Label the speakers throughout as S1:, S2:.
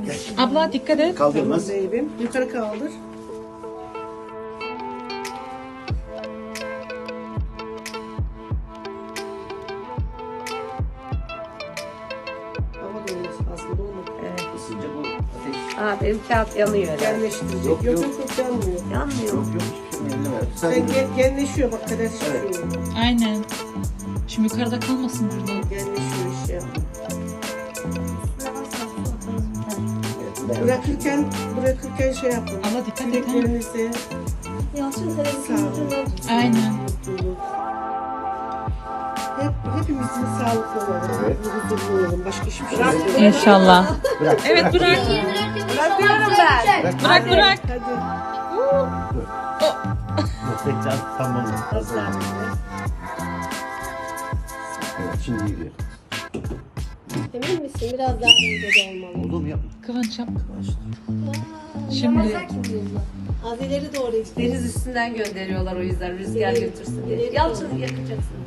S1: Abla dikkat et.
S2: Kaldırmaz.
S3: Zeybim. Yukarı kaldır. Hava dolmuş aslında olmadı.
S4: Evet.
S2: Isınca bu ateş.
S4: Aa, benim kağıt yanıyor herhalde.
S3: Genleştirecek.
S2: Yok,
S3: Yok
S2: yok.
S3: yok yanmıyor.
S4: Yanmıyor.
S2: Yok yok hiçbir şey elleme.
S3: Sen
S2: Sadece
S3: genleşiyor bak kadar şişiyor.
S1: Aynen. Şimdi yukarıda kalmasın burada.
S3: Genleşiyor işte.
S2: evet,
S3: Bırakırken şey yapın.
S1: Abla dikkat et. Ha.
S3: Dileklerinizi
S5: Yalçın televizyonun
S3: sağlık,
S5: ucundan tut.
S1: Aynen.
S3: mutluluk. Hepimizin sağlıklı olalım.
S2: Evet.
S3: Huzurlu olalım. Başka hiçbir şey yok.
S1: İnşallah.
S2: Bırak.
S1: Evet bırak.
S4: Bırakıyorum ben.
S1: Bırak bırak.
S3: Hadi.
S2: Tekrar tamam.
S3: Hazır.
S2: Evet şimdi gidiyor.
S5: Emin misin? Biraz daha dengede olmalı.
S2: Oldu mu yapma.
S1: Kıvanç yap. Şimdi
S5: Yemezler ki bu yılda. Az ileri doğru işte.
S4: Deniz üstünden gönderiyorlar o yüzden rüzgar götürsün diye. Yalçın yakacaksın.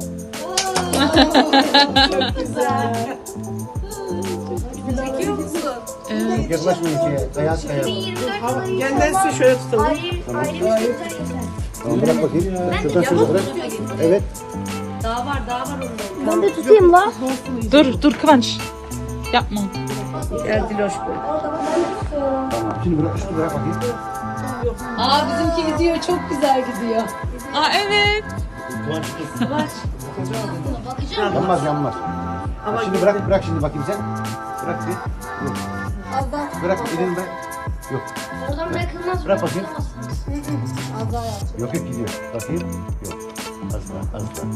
S3: Çok güzel.
S4: Çekiyor musun?
S1: evet.
S2: Yaklaşmayın şeye. Kayas kayas.
S5: 2024
S3: Hava
S5: yılı
S3: genlerse şöyle tutalım.
S5: ayrı bir güzel geçer.
S2: Tamam bırak bakayım. Şuradan şöyle
S4: Yamuk
S2: bırak.
S4: tutuyor gitme.
S2: Evet.
S4: Daha var onda.
S5: Ben de tutayım la.
S1: Dur Kıvanç. Yapma.
S4: Gel Diloş böyle.
S5: Ben de tutuyorum.
S2: Tamam. Şimdi bırak. Şunu bırak bakayım.
S4: Aa bizimki gidiyor çok güzel gidiyor.
S1: Aa evet.
S4: Kıvanç.
S2: Yanmaz yanmaz.
S3: Ama
S2: Şimdi bırak şimdi bakayım sen. Bırak bir. Yok.
S5: Az daha.
S2: Bırak elini bırak. Yok.
S5: Oradan bırakılmaz.
S2: Bırak bakayım.
S5: Az daha yaptım.
S2: Yok gidiyor. Bakayım. Yok. Az daha.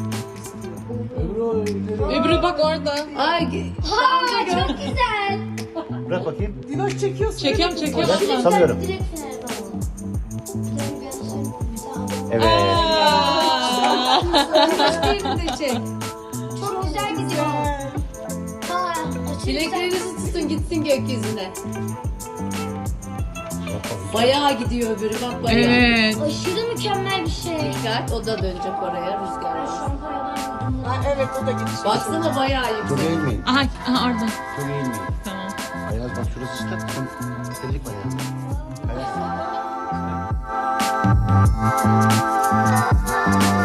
S1: Ebru bak orada.
S4: Ay
S5: Ha çok güzel.
S2: Bırak bakayım.
S3: Diloş çekiyorsun.
S1: Çekiyorum çekiyorum.
S2: Ben sanıyorum.
S5: Direkt fener tamam. Senin gözlerin bir
S2: Evet.
S1: Aa.
S4: başka yerini de çek.
S5: Çok güzel gidiyor. Ha, aşırı güzel.
S4: Bileklerinizi tutun gitsin gökyüzüne. Bayağı gidiyor öbürü bak bayağı.
S1: Evet.
S5: Aşırı mükemmel bir şey.
S4: Dikkat o da dönecek oraya rüzgar.
S5: Ben şampiyondan yudum.
S3: Ha, evet o da gitti.
S4: Baksana bayağı
S2: Çok
S4: yüksek.
S2: eğilmeyin.
S1: Aha orada.
S2: Çok eğilmeyin.
S1: Tamam.
S2: Ayaz bak şurası ıslak. Sen istedik var ya. Ayaz.